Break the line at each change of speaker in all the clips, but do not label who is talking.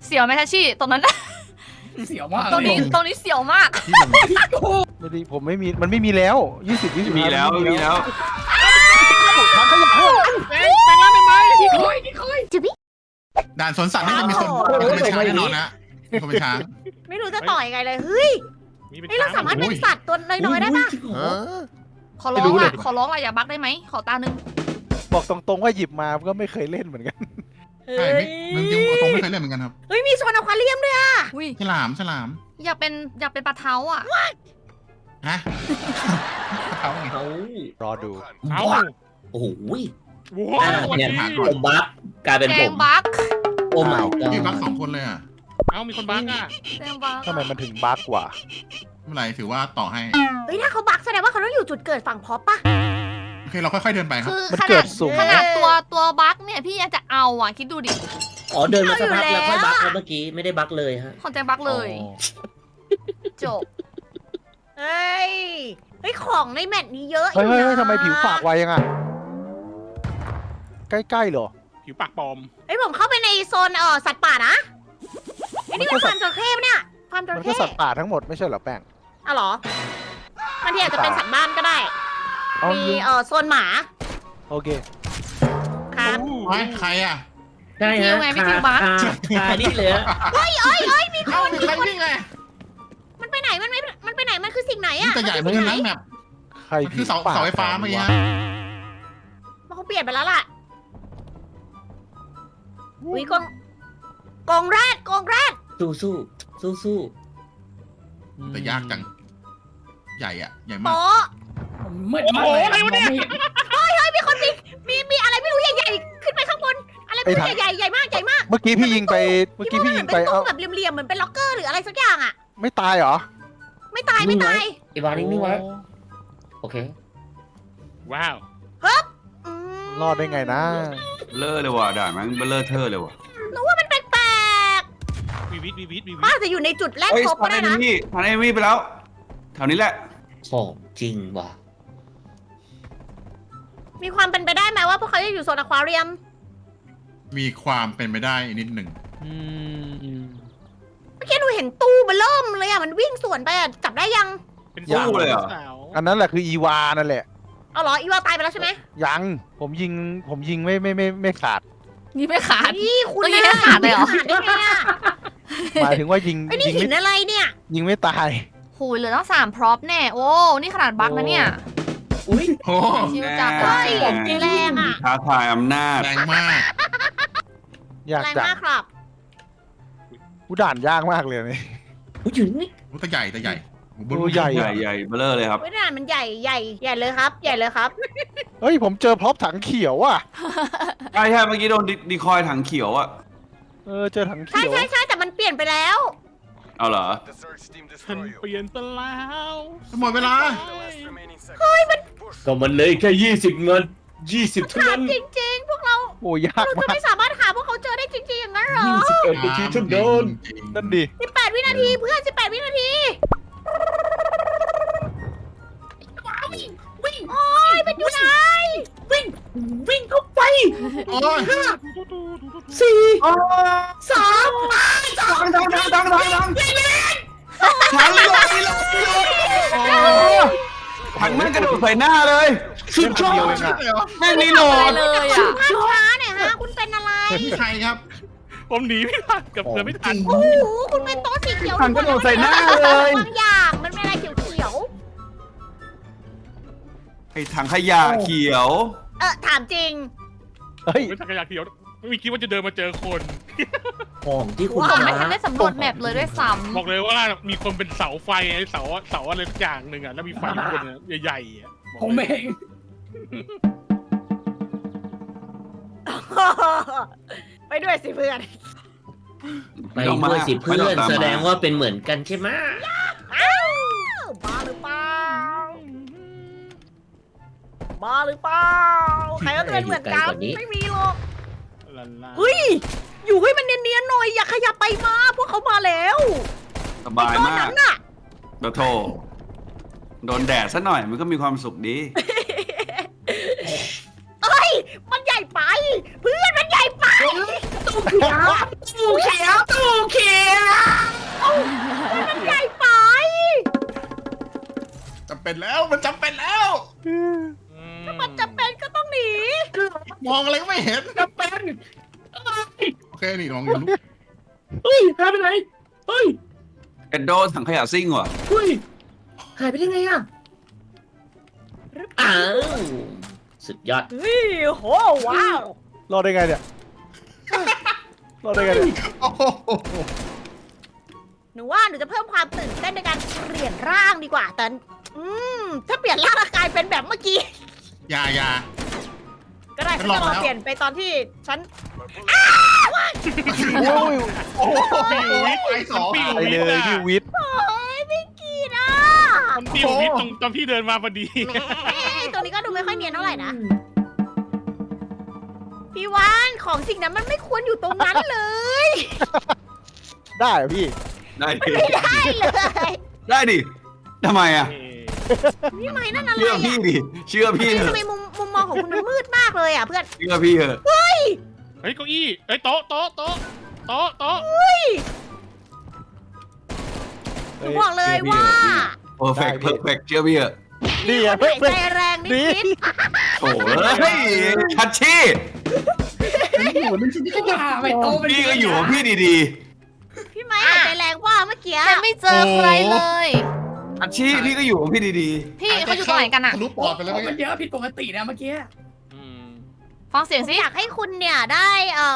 เสียวไหมทัชชี่ตรงนั้น
เสียวมาก
ตรงนี้เสียวมาก
ไม่ดีผมไม่มีมันไม่มีแล้ว20
มีแล้วมีแล้ว
ทางขยะ
ไปแล้วไปไหมพี่คอย
ด่านสวนสัตว์นี่มันมีคนเป็นช้างแน่นอนนะมีคนเป็นช้าง
ไม่รู้จะต่อยังไงเลยเฮ้ย
มีเป็น
นี่เราสามารถเป็นสัตว์ตัวน้อยๆได้ปะ
ขอร้องอ่ะขอร้องอ่ะอย่าบักได้ไหมขอตาหนึ่ง
บอกตรงๆว่าหยิบมาก็ไม่เคยเล่นเหมือนกัน
ใช่ไม่จริงๆตรงไม่เคยเล่นเหมือนกันครับ
เฮ้ยมีโซนอควาเรียมด้วยอะ
อุ้ย
ฉลาม
อยากเป็นปลาเท้าอ่ะ
ฮะเขาไง
เขา
รอดู
เอา
โอ้โห
ว้าว
เนี่ยผมบักกลายเป็น
แก
ผ
ง
ม
บัก
โอ้ my
พี่บัก
god
2 คนเลยอ่ะ
เอามีคนบักอ่ะ
แกงบัก
ทำไมมันถึงบั๊กกว่า
ไม่เป็นไรถือว่าต่อให้
เฮ้ยถ้าเขาบักแสดงว่าเขาต้องอยู่จุดเกิดฝั่งพอปปะ
โอเคเราค่อยๆเดินไปครับ
คือ
มัน
ข
เกิ
นาด
ดสูง
ขนาดตัวบักเนี่ยพี่ยังจะเอาอ่ะคิดดูดิ
อ๋อเดินมาสักพักแล้วค่อยบักแล้วเมื่อกี้ไม่ได้บักเลยฮะ
ของแจงบักเลย จบ
เฮ้ยของในแมตช์นี้เยอะอ
เฮ้ย
ยู่
เฮ้ย
นะ
ทำไมผิวปากไวยังอ่ะใกล้ๆเหรอ
ผิวปากปลอม
เฮ้ยผมเข้าไปในโซนสัตว์ป่านะไอ้นี่มันฟาร์มจระเข้ปะเนี่ยฟาร์มจ
มัน
ระ
ก็
เข้
สัตว์ป่าทั้งหมดไม่ใช่เหรอแป้ง
อ๋อเหรอมันที่อาจจะเป็นสัตว์บ้านก็ได้
เอา
มีโซนหมา
โอเค
ครับ
ไว้ใครอ่ะ
ใช่ฮะคานี่เลยฮะ
มีค
เอ้าน ใครวิ่งไง
มันไปไหนมันไปไหนมันคือสิ่งไหน
นี่
อะ
แต่ใหญ่เหมือนกันนะแบบ
ใคร
คื
ผิ
อ
ว
เสา
ปาก
ไฟฟ้าเมื่อกี้
วะ
ฮะ
มันเขาเปลี่ยนไปแล้วล่ะอุ้ยกองแรด
สู้สู้สู้สู้
แต่ยากจังใหญ่อ่ะใหญ่มาก
โป๊ะ
มืดมากเลยอะไรวะเนี่ย
มีคนมีอะไรไม่รู้ใหญ่ๆขึ้นไปข้างบนอะไรไม่รู้ใหญ่ๆใหญ่มาก
เมื่อกี้พี่ยิงไปเมื่อกี้พี่ยิงไป
เป็น
เอ้า
ตู้แบบเหลี่ยมๆเหมือนเป็นล็อกเกอร์หรืออะไรสักอย่างอะ
ไม่ตายเหรอ
ไม่ตาย
ไอ้บาร์นิ่งไว้โอเค
ว้าว
อืม
รอดได้ไงนะ
เลอะเลยว่ะด่านมันเบลเลอร์เทอร์เลยว่ะ
หนูว่ามันแปลก
วีวิท
ๆป้าจะอยู่ในจุดแรก
เฮ้ย
ครบก็
ทัน
ได้
เอ
นะ
มี่ทันเอมี่ไปแล้วแถวนี้แหละ
ของจริงว่ะ
มีความเป็นไปได้ไหมว่าพวกเขาจะอยู่โซนอควาเรียม
มีความเป็นไปได้นิดหนึ่ง
อืม
เมื่อกี้หนูเห็นตู้เบลเริ่มเลยอะมันวิ่งสวนไปอะจับได้ยัง
เป็น
สู้เลยเหรอ
สาว
อันนั้นแหละคืออีวานั่นแหละ
เอาเหรออีวาตายไปแล้วใช่ไหม
ยังผมยิงไม่ขาด
นี่ไม่ขาด
นี่คุณ
เมื่อกี้แค่ขาดเลยเหรอ
ขาดได้ไงอะ
หมายถึงว่ายิง
ไอ้นี่
ยิง
หิ
ไม่
นอะไรเนี่ย
ยิงไม่ตาย
โหยเหลือตั้ง3 พร็อพแน่โอ้นี่ขนาดบักนะเนี่ย
อุ้ย
โอ้
ชิวจัด
แน่
แรงอะ
ท้าทายอำนาจ
แรงมาก
ยาก
แรง
จัง
มากครับ
กูด่านยากมากเลยนี่
อุ้ยอยู่นี่
แต่ใหญ่แต่ใหญ่
ตัวใหญ่
ใหญ่ใหญ่เบลเลอร์เลยครับ
เว้ยด่านมันใหญ่เลยครับ ใหญ่เลยครับ
เฮ้ยผมเจอพร็อพถังเขียวอ่ะ
ใช่ใช่เมื่อกี้โดนดีคอยถังเขียวอะ
เจอถัง
ใช่
เขียว
ใช่แต่มันเปลี่ยนไปแล้ว
เอาเหรอ
ฉันเปลี่ยนไปแล้ว
หมดเวลา
ก็มันเลยแค่20 เงิน 20เท่า
ถา
นั้
ม
น
จริงๆ พวกเรา
โอ้ยาก
เราจะ
มาก
ไม่สามารถหาพวกเขาเจอได้จริงๆอย่างนั้นเหรอ
21นาทีเท่านั้น
นั่นดิ
18 วินาทีเพื่อน18 วินาทีโอ้ยมันอยู่ไหน
วิ่งเข้าไป
โอ้ย
4 3
ดังถังเลยถังแม่งกระโดดใส่หน้าเลย
สุดยอดเดียวเองอ่ะ
แม่งรีโหล
ไป
ด
เลยอ่ะ
ภาพช้าหน่อยฮะ คุณเป็นอะไร
นี่ใครครับ
ผมหนีไม่ทันเกับเดินไม่ทัน
โอ้โห คุณเป็นโต๊ะสีเขียว
ถังกระโดดใส่หน้าเลย
บางอย่างมันเป็นอะไรเขียว
ไอ้ถังขยะเขียว
ๆถามจริง
เฮ้ย
ไม่ทันขยะเขียวไม่คิดว่าจะเดินมาเจอคน
ของที่คุณ
ผมไม่
หา
ทันได้สำรวจแมปเลยด้วยซ้
บอกเลยว่ามีคนเป็นเสาไฟไอ้เสาอะไรสักอย่างหนึ่งอ่ะแล้วมีไฟอยู่บนนั้นใหญ่ๆอ่ะผมเอง
ไปด้วยสิเพื่อน
ไปด้วยสิเพื่อนแสดงว่าเป็นเหมือนกันใช่ไหม
บ้าหรือเปล่าบ้าหรือเปล่าใครก็เป็นเหมือนกันไม่มีหรอก
ลันลา
เฮ้ย อยู่ให้มันเนียนๆหน่อย อย่าขยับไปมา พวกเขามาแล้ว
สบาย
ก้อน
มาก
นั้นน่ะ
โถโดนแดดซะหน่อยมันก็มีความสุขดี
เอ้ย มันใหญ่ไป เพื่อนมันใหญ่ไป
ตู้เขียว
เป็นแล้วมันจำเป็นแล้ว
มันจำเป็นก็ต้องหนี
มองอะไรก็ไม่เห็น
จะเป็น
โอเคนี่มองอยู่ลูก
เฮ้ยหายไปไหนเฮ้ย
เอ็นโดถังขยะซิ่งว่ะ
เฮ้ยหายไปได้ไงอ่ะอ้าวสุดยอด
เฮ้ยโหว้าว
รอดได้ไงเนี่ยรอดได้ไงเนี่ย
โอ้โห
หนูว่าหนูจะเพิ่มความตื่นเต้นในการเปลี่ยนร่างดีกว่าแต่ถ้าเปลี่ยนร่างแล้วกลายเป็นแบบเมื่อกี้
อย่า
ก็ได้
ฉั
ฉั
น
น
ลอง
จะลอง
แล้ว
เปลี่ยนไปตอนที่ฉัน
โอ้ย
โอ้โหไปสอง
ปิ้ว
ไปเลยพี่วิทย์
โอ้ยไม่กี่นะ
มันปิ้วนิดตรงที่เดินมาพอดี
ตัวนี้ก็ดูไม่ค่อยเนียนเท่าไหร่นะพี่วานของสิ่งนั้นมันไม่ควรอยู่ตรงนั้นเลย
ได้เหรอพี่
ได้ดิ
ไม่ได้เลย
ได้ดิทำไมอ่ะ
พี่ไม้นั่นอะไร
เชื่อ
อ่ะ
พี่ดิเชื่อพี่เถ
ทำ
อะ
ไมมุมมองของคุณมันมืดมากเลยอ่ะเพื่อน
เชื่อพี่เถอะ
เฮ้ยเก้าอี้เฮ้ยโต๊ะ
หนูบอกเลยว่า
เพอร์เฟกต์เพอร์เฟกต์เชื่อพี่เถอะ
นี่
ค
อ่ะ
น
เพื่อ
หาน ยใจแรงนิด
โถ่เฮ้ยชัดชี่
ไม่โตเป็น
พี่ก็อยู่ของพี่ดี
ๆพี่ไม้หายใจแรงว่าเมื่อกี้
แต่ไม่เจอใครเลย
ๆชัดชี่พี่ก็อยู่ของพี่ดี
พี่เขาอยู่ตรงไหนกันอะ
ทะลุปอดไปแล้ว
มั
เมื่อน กี้
เยอะผิดปกตินะเมื่อกี้
ฟังเสียงสิ
อยากให้คุณเนี่ยได้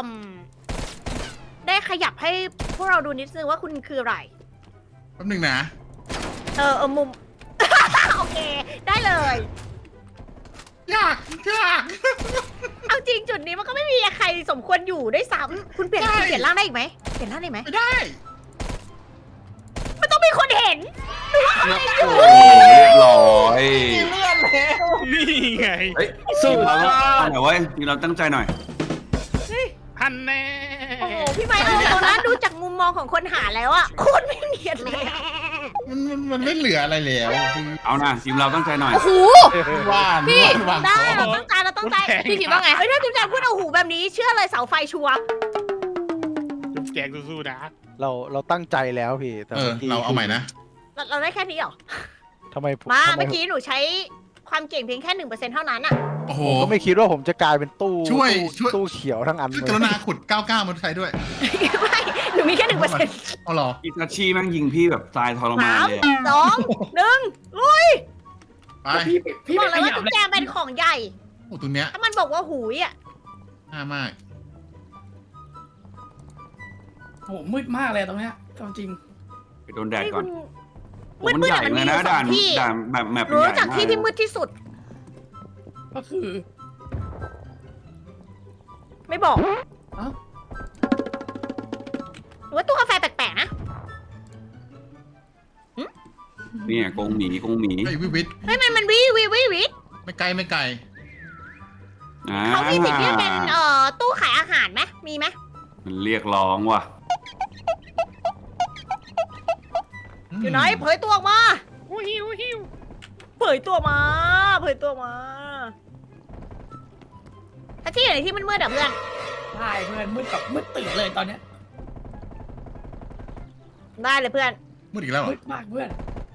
ได้ขยับให้พวกเราดูนิดนึงว่าคุณคืออะไร
แป๊บนึงนะ
มุม โอเค ได้เลย
ยาก
เอาจริงจุดนี้มันก็ไม่มีใครสมควรอยู่ด้วยซ้ำคุณเปลี่ยนคุณเปลี่ยนร่างได้อีกไหมเปลี่ยนร่างได้ไหม
ไม่ได้
มันต้องมีคนเห็น
ๆโอ้โหเรียบร้อย
นี่ไง
เฮ้ยทีมเราเอาหน่อยเว้ยทีมเราตั้งใจหน่อย
ฮันแน่
โอ้โหพี่ไม้เอาตรงนั้นดูจากมุมมองของคนหาแล้วอะโคตรไม่เนียนเลยอะ
มันไม่เหลืออะไรแล้วคือ
เอานะทีมเราตั้งใจหน่อย
โอ้โห
ว่าน
พี่
วาง
ได้
ข
เรา
อง
ตั้งใจเราตั้งใจ
พี่คิดว่าไง
เฮ้ยถ้าจุ๊บจันพูดเอาหูแบบนี้เชื่อเลยเสาไฟชัวร์
จุ๊บแจงสู้ๆนะ
เราตั้งใจแล้วพี่แต่
เราเอาใหม่นะ
เราได้แค่นี้เหรอ
ทำไมผม
มา
ทำไ
เมื่อกี้หนูใช้ความเก่งเพียงแค่ 1%เท่านั้นอะ
โอ้โห
ผมก็ไม่คิดว่าผมจะกลายเป็นตู้
ช่วย
ตู้เขียวทั้งอัน
ช่วย
เล
ก
ย
รุณาขุด 99มาใช้ด้วย
ไม่หนูมีแค่ 1%
เอาหรอ
อิตาชิแม่งยิงพี่แบบตายทรมาน
3
เลย
2 1ลุย
ไป
พี่
บ
ไม่
อก
ข
เลยว่า
ยับ
จุ๊บ
เลย
แจงเป็นของใหญ่
โอ้ตัวเนี้ย
ถ้ามันบอกว่าหูยอะ
น่ามาก
โอ้โหมืดมากเลยตรงเนี้ยจริง
ไปโดนแดด
นี่
ก่อ
คุ
น
ณ
โอ้มันใหญ่
มืดๆ
เลย
อะ
นะ
มันมีอยู่
ด่าน
สองที่
ด่านแบบแมป
หนู
ใหญ่
รู้จักที่ที่มืดที่สุด
ก็คือ
ไม่บอก
เอ้า
หรือว่าตู้กาแฟแปลกๆนะ
เนี่ยกงหมี
ไอ้ยวิท
เฮ้ยมันวิ
ไม่ไกลไม่ไกล
อ่า
เขามีสิ่งที่เป็นตู้ขายอาหารไหมมีไหม
มันเรียกร้องว่ะ
อยู่ไหนเผยตัวออกมา
หิว
เผยตัวมาถ้าที่อยู่ในที่มืดๆอะเพื่อน
ๆใช่เพื่อนมืดแบบมืดตื่นเลยตอนเนี้ย
ได้เลยเพื่อน
มืดอีกแล้วเหร
มื
อ
ดมากเพื่อน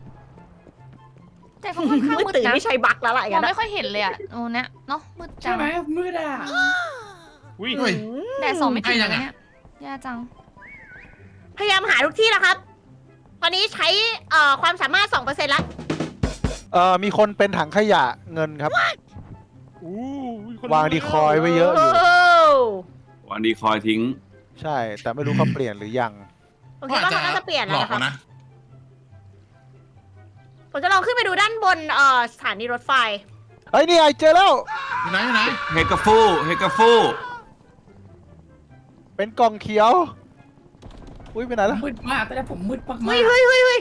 แต่เขาค่อนข้าง
มืด
มืด
ตื่น
นะ
ไม่ใช่บักแล้วล่ะอย่าง
มอง
นั้น
ไม่ค่อยเห็นเลยอะโอ้เนี่ยเนาะมืดจั
ใช่
ง
ไหมมืดอ่ะ
อุ้ย
เฮ้ย
แดดส่องไม่ถึง
ใกล้ยัง
เลย
อะ
เนี่ยแย่จัง
พยายามหาทุกที่แล้วครับ ตอนนี้ใช้ความสามารถ 2%ละ
มีคนเป็นถังขยะเงินครับ
อู้คน
วางดีคอยไว้เยอะอยู่
วันดีคอยทิ้ง
ใช่ แต่ไม่รู้เขาเปลี่ยนหรือยัง
ผมคิดว่าเขาน่าจะเปลี่ยน
ห
แล้
ล
ว
อก
นะครับ
นะ
ผมจะลองขึ้นไปดูด้านบนสถานีรถไฟ
เฮ้ยนี่ไงเจอแล้ว
อยู่ไหน
เฮกาฟู
เป็นกล่องเขียว อุ้ยไปไหนแล้ว
มืดมากตอนนี้ผมมืดมาก
เฮ้ย
อุ้ย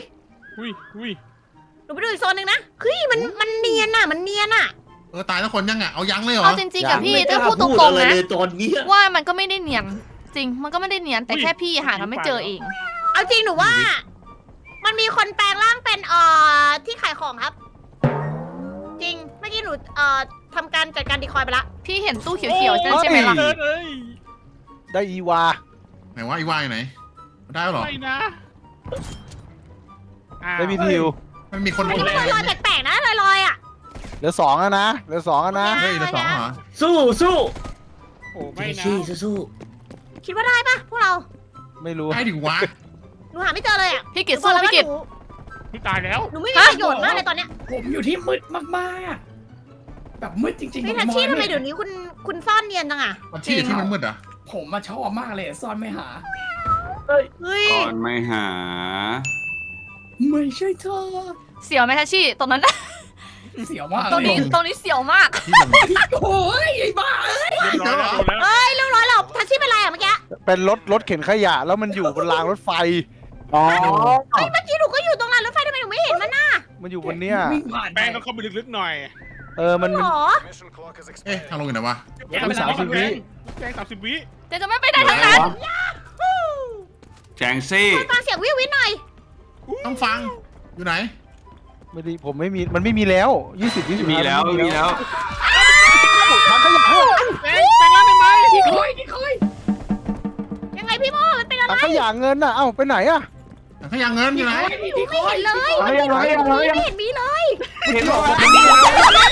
หนูไปดูอีกโซนหนึ่งนะ เฮ้ยมันเนียนอะมันเนียนอะ
ตายแล้วคนยังอ่ะ เอายังเลยเหรอ
เอาจริงๆกับพี่
ไม่ก
ถ้า
ล้า
พูดต
พูด
รง
อะไร
ๆนะ
เลยตอนเนี้ย
ว่ามันก็ไม่ได้เนียน จริง มันก็ไม่ได้เนียน แต่แค่พี่หากันไม่เจอเอง
เอาจริงหนูว่า มันมีคนแปลงร่างเป็นที่ขายของครับ จริง เมื่อกี้หนูทำการจัดการดีคอยไปละ
พี่เห็นตู้เขียวๆใช่ไหมล่ะ
เอ้ย
ได้อีวา
ไหนว่าไอ้ว่าอยู่ไหน ได้แล้วเหรอ
ไม่นะ
ได้พีทิว
ไมันมีคน
อันนี้มันลอยๆแปลกๆนะลอยๆอ่ะ
เหลือ2แล้วนะเหลือ2แล้วนะ
เฮ้ยเหลือสองเหรอ
สู้สู้
โอ้ไม่
ไม่
นะ
ชี้สู้
คิดว่าได้ปะพวกเรา
ไม่รู้
ได้ดิวะ
หนูหาไม่เจอเลยอ่ะ
พี่กิตสู้พี่กิต
พี่ตายแล้ว
หนูไม่มีประโยชน์มากเลยตอนเนี้ย
ผมอยู่ที่มืดมากๆแบบมืดจริงๆ
พี่
ผ
ทัช
ม
ชี่ทำไม
ไม่
เดี๋ยวนี้คุณซ่อนเนียนจังอ่ะ
มันที่ที่มันมืดอ่ะ
ผมมาชอบมากเลยซ่อนไม่หา
เฮ้ย
ก่อนไม่หา
ไม่ใช่เธอ
เสียวไหมทัชชี่ตรงนั้น
เสียวมาก
ตรง
เลย
นี้เสียวมาก
ที่ลง
โอ้ยไอ้บ้า
เรียบร้อยแล้วโดนแล้ว
เฮ้ยเรียบร้อยแล้วทัชชี่เป็นไรอ่ะเมื่อกี้
เป็นรถเข็นขยะแล้วมันอยู่บนรางรถไฟ
อ๋อ
เฮ้ยเมื่อกี้หนูก็อยู่ตรงรางรถไฟทำไมหนูไม่เห็นมันน่ะ
มันอยู่บนเนี้ย
วิ่งผ่าน
แป้งต้องเข้าไปลึกๆหน่อย
มัน
หรอ
เอ๊ะทางลงอยู่ไหนวะ
แป้ง30 วิแป้ง30 วิ
เดี๋ยวจะไม่ไปไหนทั้งนั้น
แจงซี่
ฟังเสียงวิววินหน่อย
ต้องฟังอยู่ไหน
ไม่ดีผมไม่มีมันไม่มีแล้ว20
มีแล้วมีแล้ว
ทางขยะ
แป้งร่างได้ไหม
ที่คอย
ยังไงพี่โมมันเป็นอะไร
ทางขยะเงินน่ะเอ้าไปไหนอะ
ขยังเงินอยู่ไหน
ที่คอย
เลย
ไม่เห็นเลย
ไม่เห็นมีเลย
เห็นบอกว่า
ที่คอยเร็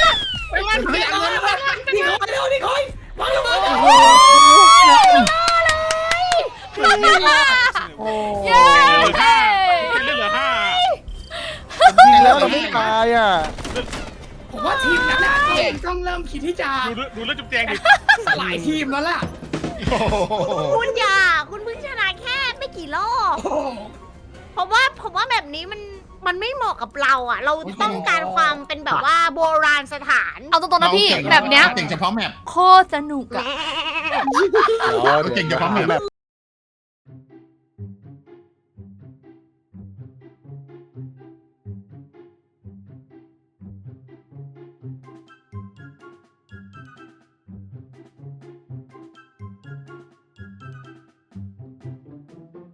วที่คอยมาเร็ว
โอ้
เย้
เหลือห้าเหลือห้า
จริงแล้วเราไม่ตายอ่ะ
ผมว่าทีมนั้นน่ะเองต้องเริ่มคิดที่จะ
ดูแล้วจุ๊บแจงดิ
สลายทีมแล้วล่ะ
คุณอย่าคุณเพิ่งชนะแค่ไม่กี่รอบ
โอ้
ผมว่าแบบนี้มันไม่เหมาะกับเราอ่ะ เราต้องการความเป็นแบบว่าโบราณสถาน
เอาตรงๆนะพี่แบบเนี้ย
เก่งเฉพาะแมป
โคตรสนุกอะ
เก่งเฉพาะแมป